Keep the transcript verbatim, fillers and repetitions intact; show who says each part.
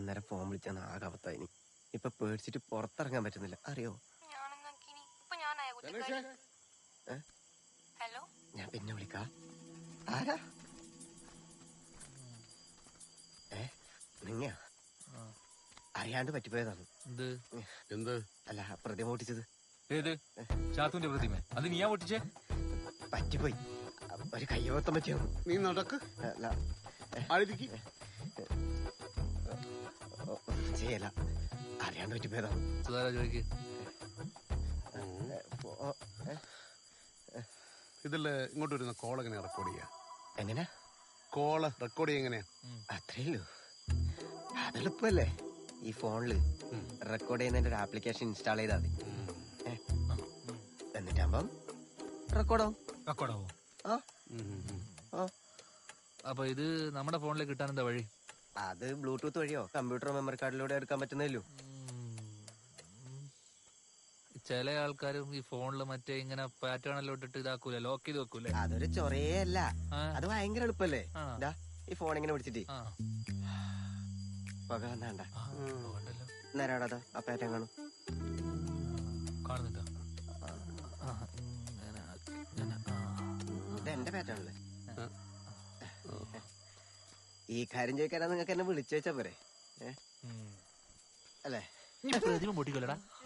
Speaker 1: അന്നേരം ഫോൺ വിളിച്ചാൽ ആകെ അവത്തായിനി. ഇപ്പൊ പേടിച്ചിട്ട് പുറത്തിറങ്ങാൻ പറ്റുന്നില്ല, അറിയോ?
Speaker 2: ഹലോ,
Speaker 1: ഞാൻ പിന്നെ വിളിക്കാ. ആരാ? ഏ നിങ്ങ അറിയാണ്ട് പറ്റിപ്പോയതാണ്.
Speaker 3: എന്ത്?
Speaker 1: അല്ല, പ്രതിമ പൊട്ടിച്ചത്.
Speaker 4: ഏത് ചാത്തുന്റെ പ്രതിമ? അത് നീയാ പൊട്ടിച്ചേ?
Speaker 1: പറ്റിപ്പോയി, ഒരു കയ്യവത്തം പറ്റിയോ.
Speaker 3: നീ നടക്ക്.
Speaker 1: അല്ല ചെയ്യല, അറിയാണ്ട് പറ്റിപ്പോയതാണ്.
Speaker 4: ചോദിക്ക്.
Speaker 3: ഇതില് ഇങ്ങോട്ട് വരുന്ന കോൾ എങ്ങനെയാ റെക്കോർഡ് ചെയ്യാ?
Speaker 1: എങ്ങനെ
Speaker 3: കോള് റെക്കോർഡ് ചെയ്യാ എങ്ങനെയാ?
Speaker 1: അത്രയുള്ളൂ, അതെളുപ്പല്ലേ. ഈ ഫോണില് റെക്കോർഡ് ചെയ്യുന്നതിന്റെ ഒരു ആപ്ലിക്കേഷൻ ഇൻസ്റ്റാൾ ചെയ്താൽ മതി. എന്നിട്ടാകുമ്പം റെക്കോർഡാവും.
Speaker 4: റെക്കോർഡാവോ?
Speaker 1: ആ.
Speaker 4: അപ്പൊ ഇത് നമ്മുടെ ഫോണിലേക്ക് കിട്ടാൻ എന്താ വഴി?
Speaker 1: അത് ബ്ലൂടൂത്ത് വഴിയോ കമ്പ്യൂട്ടർ മെമ്മറി കാർഡിലൂടെ എടുക്കാൻ പറ്റുന്നല്ലോ.
Speaker 4: ചില ആൾക്കാരും ഈ ഫോണില് മറ്റേ ഇങ്ങനെ പാറ്റേണെല്ലാം ഇട്ടിട്ട് ഇതാക്കൂലേ, ലോക്ക് ചെയ്ത് വെക്കൂലേ?
Speaker 1: അതൊരു ചൊറയേ അല്ല, അത് ഭയങ്കര എളുപ്പല്ലേ. ഈ ഫോൺ ഇങ്ങനെ പിടിച്ചിട്ട് പക വന്നാണ്ട നേരാടാ ആ പാറ്റേൺ കാണും.
Speaker 4: കാണുന്നില്ല,
Speaker 1: ഇത് എന്റെ പാറ്റേണല്ലേ. ഈ കാര്യം ചോദിക്കാനാ നിങ്ങൾക്ക് എന്നെ വിളിച്ചു വെച്ചാ പോരെ? അല്ലേ?
Speaker 4: പ്രതിമ പൊട്ടിക്കല്ലടാ.